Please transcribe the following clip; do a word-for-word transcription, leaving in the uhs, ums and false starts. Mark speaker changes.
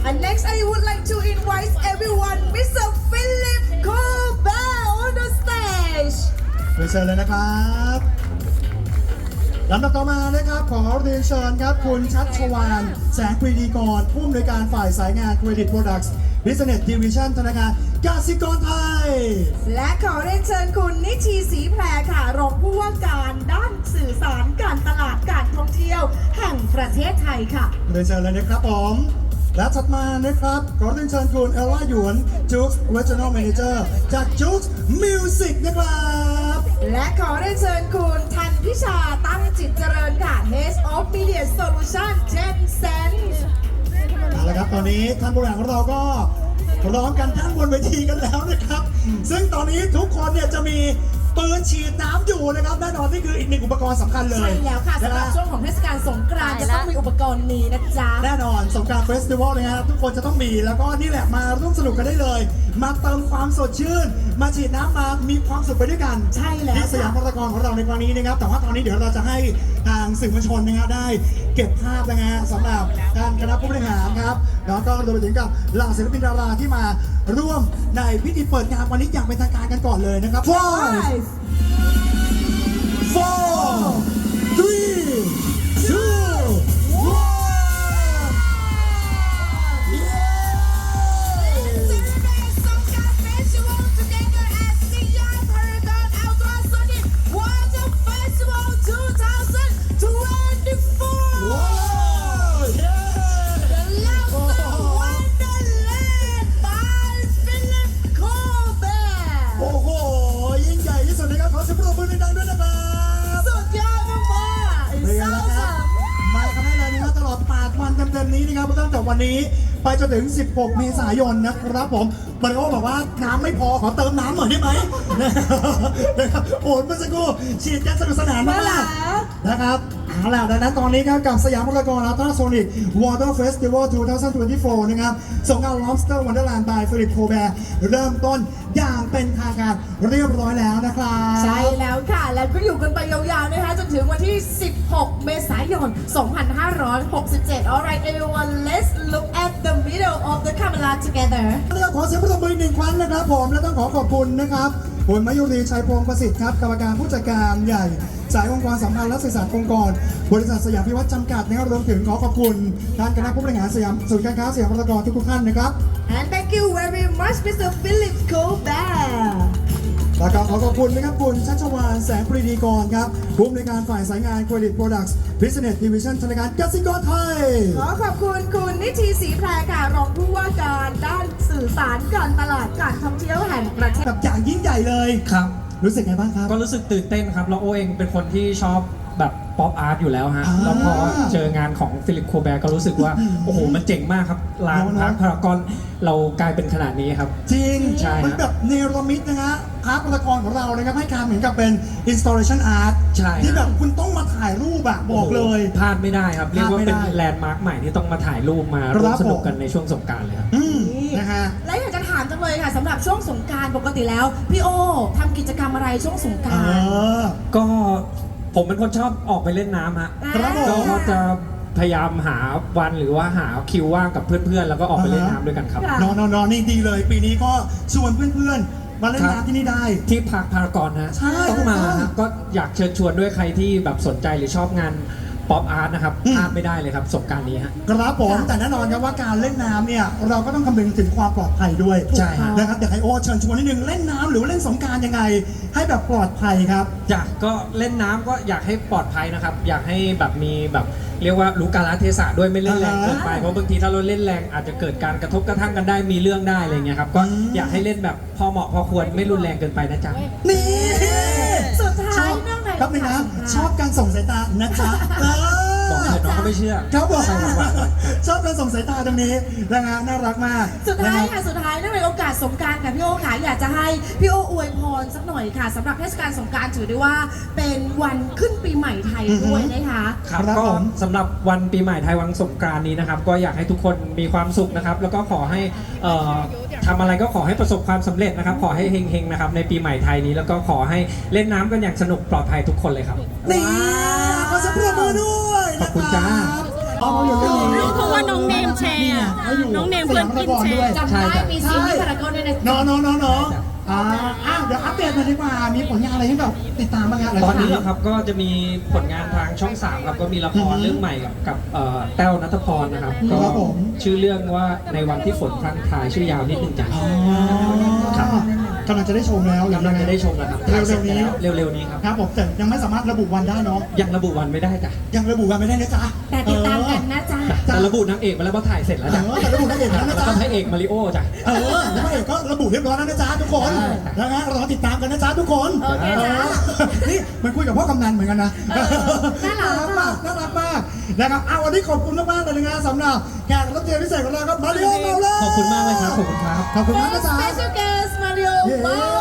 Speaker 1: And next I would like to invite everyone Mister Philip Colbert on the stage
Speaker 2: เรียนเชิญเลยนะครับลำดับต่อมานะครับขอเรียนเชิญครับคุณชัชวานแสงปรีดีกรผู้อำนวยการฝ่ายสายงาน Credit Products Business Division ธนาคารกสิกรไทย
Speaker 1: และขอเรียนเชิญคุณนิชีศรีแพรค่ะรองผู้ว่าการด้านสื่อสารการตลาดการท่องเที่ยวแห่งประเทศไทยค่ะ
Speaker 2: เรียนเชิญเลยนะครับผมและถัดมานะครับขอเรียนเชิญคุณเอลล่าหยวนจุ๊ก Regional Manager จากจุ๊ก Music นะครับ
Speaker 1: และขอเรียนเชิญคุณทันพิชาตั้งจิตเจริญค่ะ Head of Media Solution Gensense
Speaker 2: เอาละครับตอนนี้ท่านผู้บริหารของเราก็ร้องกันทั้งบนเวทีกันแล้วนะครับซึ่งตอนนี้ทุกคนเนี่ยจะมีปืนฉีดน้ำอยู่นะครับแน่นอนนี่คืออีกหนึ่งอุปกรณ์สำคัญเลย
Speaker 1: ใช่แล้วค่ะสำหรับช่วงของเทศกาลสงกรานต์จะต้องมีอุปกรณ์นี้นะจ๊ะ
Speaker 2: แน่นอนสงกรานต์เฟสติวัลนะฮะทุกคนจะต้องมีแล้วก็นี่แหละมาร่วมสนุกกันได้เลยมาเติมความสดชื่นมาฉีดน้ำมามีความสุขไปด้วยกัน
Speaker 1: ใช่แล้ว
Speaker 2: ที่สยามพารากอนของเราในครั้งนี้นะครับแต่ว่าตอนนี้เดี๋ยวเราจะให้ทางสื่อมวลชนนะฮะได้เก็บภาพนะฮะสำหรับการคณะผู้บริหารครับแล้วก็รวมไปถึงกับเหล่าศิลปินดาราที่มาร่วมในพิธีเปิดงานวันนี้อย่างเป็นทางการกันก่อนเลยนะครับ five four three two oneนี้นะครับตั้งแต่วันนี้ไปจนถึงสิบหกเมษายนนะครับผมบริโภคบอกว่าน้ำไม่พอขอเติมน้ำหน่อยได้ไหมนะครับโอ้เมื่อสักครู่ฉีดกันสนุกสนานมากนะครับเอาล่ะดังนั้นตอนนี้ครับกับสยามพารากอนอัลตราโซนิกวอเตอร์เฟสติวัลสองพันยี่สิบสี่นะครับสงกรานต์ Lobster Wonderland by Philip Colbert เริ่มต้นอย่างเป็นทางการเรียบร้อยแล้วนะครับ
Speaker 1: ใช่แล้วค่ะแล้วก็อยู่กันไปยาวๆนะคะจนถึงวันที่สิบหกเมษายนสองพันห้าร้อยหกสิบเจ็ด Alright everyone let's look at the middle of the camera together
Speaker 2: ขอเสียงปรบมือหนึ่งครั้งนะครับผมและต้องขอขอบคุณนะครับคุณมายุรีชัยพงศ์ประสิทธิ์ครับกรรมการผู้จัดการใหญ่สายองค์กรสัมพันธ์และสื่อสารองค์กรบริษัทสยามพิวัฒน์จำกัดนะครับรวมถึงขอขอบคุณท่านคณะผู้บริหารสยามศูนย์การค้าสยามพารากอนทุกท่านนะครับ
Speaker 1: and thank you very much Mister Philip Colbert
Speaker 2: แล้วก็ขอขอบคุณนะครับคุณชัชวานแสงปรีดีกรครับผู้อำนวยการฝ่ายสายงาน Credit Products Business Division ธนาคารกสิกรไทย
Speaker 1: ขอขอบคุณคุณนิชีศรีแพรค่ะรองผู้ว่าการด้านสื่อสารการตลาดการท่องเที่ยวแห่งประเทศ
Speaker 2: แบบอย่างยิ่งใหญ่เลย
Speaker 3: ครับ
Speaker 2: รู้สึกไงบ้างครับ
Speaker 3: ก็รู้สึกตื่นเต้นครับแล้วโอเองเป็นคนที่ชอบแบบป๊อปอาร์ตอยู่แล้วฮะแล้วพอเจองานของฟิลิปโคแบร์ก็รู้สึกว่าโอ้โหมันเจ๋งมากครับลานพาร์คพารากอนเรากลายเป็นขนาดนี้ครับ
Speaker 2: จริง
Speaker 3: ใช่
Speaker 2: มันแบบเนรมิตนะฮะพาร์คพารากอนของเรานะครับให้การเหมือนกับเป็น installation art
Speaker 3: ใช่
Speaker 2: ที่แบบคุณต้องมาถ่ายรูปอะบอกเลย
Speaker 3: พลาดไม่ได้ครับเรียกว่าเป็นแลนด์มาร์คใหม่ที่ต้องมาถ่ายรูปมาร่วมสนุกกันในช่วงสงกรานต์เลยครับ
Speaker 2: นะฮะ
Speaker 1: และอยากจะถามจังเลยค่ะสำหรับช่วงสงกรานต์ปกติแล้วพี่โอทำกิจกรรมอะไรช่วงสงกรานต์
Speaker 3: ก็ผมเป็นคนชอบออกไปเล่นน้ำฮะก็จะพยายามหาวันหรือว่าหาคิวว่างกับเพื่อนๆแล้วก็ออกไปเล่นน้ำด้วยกันครับ
Speaker 2: นอนนอนนี่ดีเลยปีนี้ก็ชวนเพื่อนๆมาเล่นน้ำที่นี่ได้
Speaker 3: ที่พาร์คพารากอนฮะต้องมาก็อยากเชิญชวนด้วยใครที่แบบสนใจหรือชอบงานป๊อปอาร์ตนะครับพลาดไม่ได้เลยครับสงกรานต์นี้ฮะ
Speaker 2: ครับผมแต่แน่นอนครับว่าการเล่นน้ำเนี่ยเราก็ต้องคำนึงถึงความปลอดภัยด้วย
Speaker 3: ใช่
Speaker 2: นะครับอยากให้โอเชิญชวนนิดนึงเล่นน้ำหรือว่าเล่นสงกรานต์ยังไงให้แบบปลอดภัยครับ
Speaker 3: อยากก็เล่นน้ำก็อยากให้ปลอดภัยนะครับอยากให้แบบมีแบบเรียกว่ารู้กาลเทศะด้วยไม่เล่นแรงเกินไปเพราะบางทีถ้าเราเล่นแรงอาจจะเกิดการกระทบกระทั่งกันได้มีเรื่องได้อะไรเงี้ยครับก็อยากให้เล่นแบบพอเหมาะพอควรไม่รุนแรงเกินไปนะจ๊ะ
Speaker 2: นี่
Speaker 1: สุดท้ายนั่งไหน
Speaker 2: ครับนะชอบการส่งสายตานะจ๊ะ
Speaker 3: บอกเถอะน้องก็ไม่เชื่อ
Speaker 2: เขาบอกชอบการส่งสายตาตรงนี้นะฮะน่ารักมาก
Speaker 1: สุดท้ายค่ะสุดท้ายเนื่องในโอกาสสงกรานต์ค่ะพี่โอค่ะอยากจะให้พี่โออวยพรสักหน่อยค่ะสำหรับเทศกาลสงกรานต์ถือได้ว่าเป็นวันขึ้นปีใหม่ไทยด้วยนะคะ
Speaker 3: ครับก็สำหรับวันปีใหม่ไทยวันสงกรานต์นี้นะครับก็อยากให้ทุกคนมีความสุขนะครับแล้วก็ขอให้ทำอะไรก็ขอให้ประสบความสำเร็จนะครับขอให้เฮงๆนะครับในปีใหม่ไทยนี้แล้วก็ขอให้เล่นน้ำกันอย่างสนุกปลอดภัยทุกคนเลยครับ
Speaker 2: นี่ขอเสียงปรบมือด้วย
Speaker 3: ขอบคุณจ้า
Speaker 2: เอาอยู่ตรงนี้
Speaker 4: เพราะว่าน้องเนมแชร์
Speaker 2: นี่ไง
Speaker 4: อ่ะ
Speaker 2: เขาอยู่
Speaker 4: น้องเนม
Speaker 2: ส
Speaker 4: เพื่อย
Speaker 2: าน มพ
Speaker 4: กิ
Speaker 2: ราน กร
Speaker 4: แช
Speaker 2: ด้วย
Speaker 4: ร์
Speaker 1: จำได้มีซีรีส์พารากอนด้วยนะ
Speaker 2: เนาะเนาะเนาะเนาะอ่าอ่ะเดี๋ยวอัปเดตหน่อยดีกว่า มีผลงานอะไรให้แบบติดตามบ้างฮะ
Speaker 3: ตอนนี้เหรอครับก็จะมีผลงานทางช่องสามครับก็มีละครเรื่องใหม่กับกับเอ่อแต้วนัทพรนะครับก็
Speaker 2: ครับผม
Speaker 3: ชื่อเรื่องว่าในวันที่ฝนพรังพรายชื่อยาวนิดนึงจ้ะ
Speaker 2: อ๋อ
Speaker 3: ครับ
Speaker 2: กำลังจะได้ชมแล้วหรื
Speaker 3: กำลัง
Speaker 2: ยั
Speaker 3: จะได้ชมแล้วครับ
Speaker 2: เร็วๆนี้
Speaker 3: เร็วๆนี้ครับ
Speaker 2: ครับผมแต่ยังไม่สามารถระบุวันได้เนาะ
Speaker 3: ยังระบุวันไม่ได้จ้ะ
Speaker 2: ยังระบุวันไม่ได้นะจ๊ะ
Speaker 1: แต่ติดตามกันนะจ๊ะ
Speaker 3: แต่ระบุนางเอกมาแล้วเพราะถ่ายเสร็จแล้ว
Speaker 2: เอ
Speaker 3: จ้ะ
Speaker 2: อแต่ระบุนักเอกแล้วนะ
Speaker 3: แล้ว
Speaker 2: จ๊ะ
Speaker 3: ก็พระเอกมาริโอจ้ะ
Speaker 2: เออแล้วพระเอกก็ระบุเรียบร้อยแล้วนะจ๊ะทุกคนนะฮะรอติดตามกันนะจ๊ะทุกคน
Speaker 1: โอเคจ้ะ
Speaker 2: เออนี่มันคุยกับพ่อกำนันเหมือนกันนะ
Speaker 1: เออน่ารัก
Speaker 2: มากน่ารักมากนะครับเอาวันนี้ขอบคุณมากๆเลยนะสำหรับแขกรับเชิญพิเศษของเราครับมาริโอเมาเล
Speaker 3: ขอบคุณมากเลยครับขอบคุณครับ
Speaker 2: ขอบคุณมากนะจ๊ะ
Speaker 1: Special guest Mario Wow